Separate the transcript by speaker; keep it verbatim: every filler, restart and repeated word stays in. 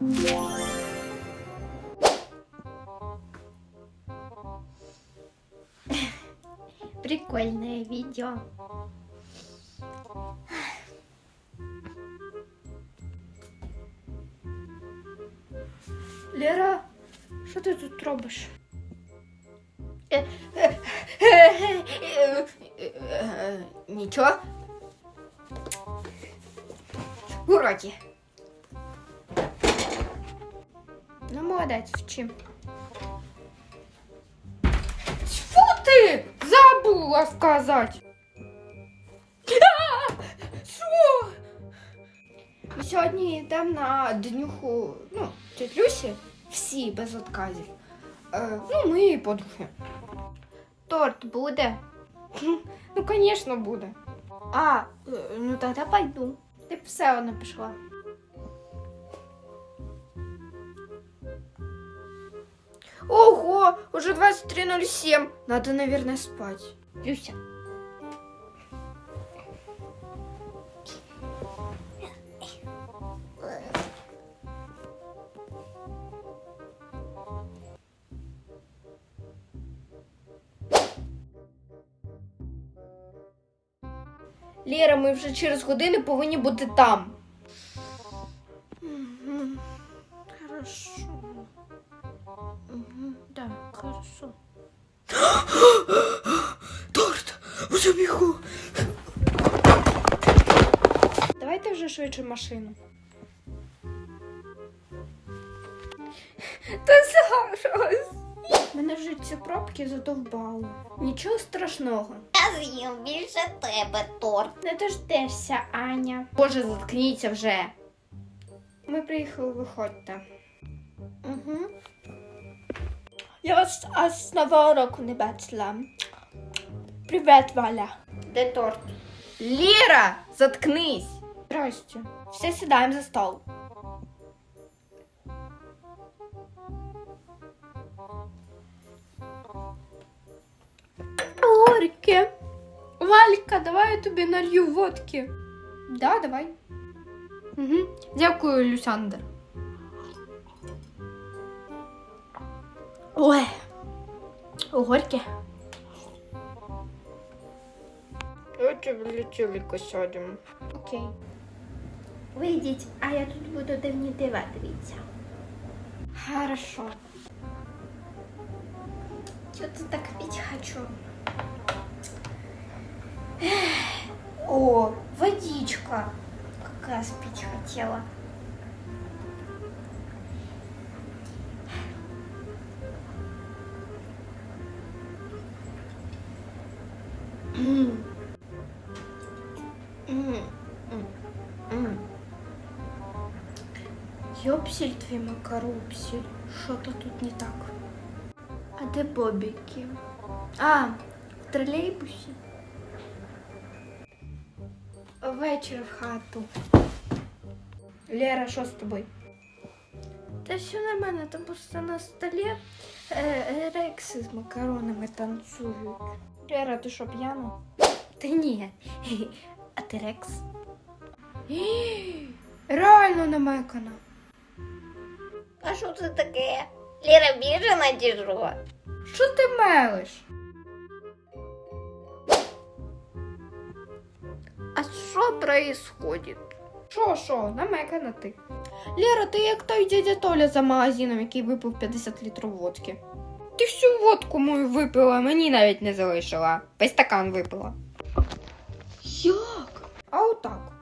Speaker 1: Прикольное видео. Лера, що ти тут робиш? Нічого. Уроки. Ну, молодець, вчи. Фу ти! Забула сказати. Що? Ми сьогодні йдемо на днюху, ну, тетя Люсі, всі без відказів. Е, ну, ми і подруги. Торт буде? Ну, звісно, буде. А, ну тоді пойду. Ти б все одно пішла. Ого, уже двадцать три ноль семь. Надо, наверное, спать. Люся. Лера, ми вже через годину повинні бути там. Угу. Хорошо. Угу. Да, хорошо. Торт! Уже бігу! Давайте вже швидше машину. Та зараз! Мене вже ці пробки задовбали. Нічого страшного.
Speaker 2: Я з'їм більше тебе торт.
Speaker 1: Не дождешся, Аня. Боже, заткніться вже. Ми приїхали, виходьте. Угу. Я вас аж з нового року не бачила. Привіт, Валя. Де торт? Лера, заткнись. Здрасте. Всі сідаємо за стол. Горьке. Валька, давай я тобі налью водки. Да, давай. Угу. Дякую, Люсяндр. Ой, горьке. Давайте в лічильника сядемо. Окей. Вийдіть, а я тут буду дивні дива дивитися. Хорошо. Что-то так пить хочу. О, водичка. Как раз пить хотела. Ёпсель твій макаропсель. Що-то тут не так. А де бобики? А, в тролейбусі. Вечір в хату. Лера, що з тобою? Та все нормально, там просто на столі е, рекси з макаронами танцюють. Лера, ти що, п'яна? Та ні. А ти рекс? Реально намекана.
Speaker 2: А що це таке? Лера біжена чи що?
Speaker 1: Що ти мелиш? А що происходит? Що, що, намекана ти. Лера, ти як той дядя Толя за магазином, який випив п'ятдесят літрів водки. Ти всю водку мою випила, мені навіть не залишила. Весь стакан випила. Як? А отак.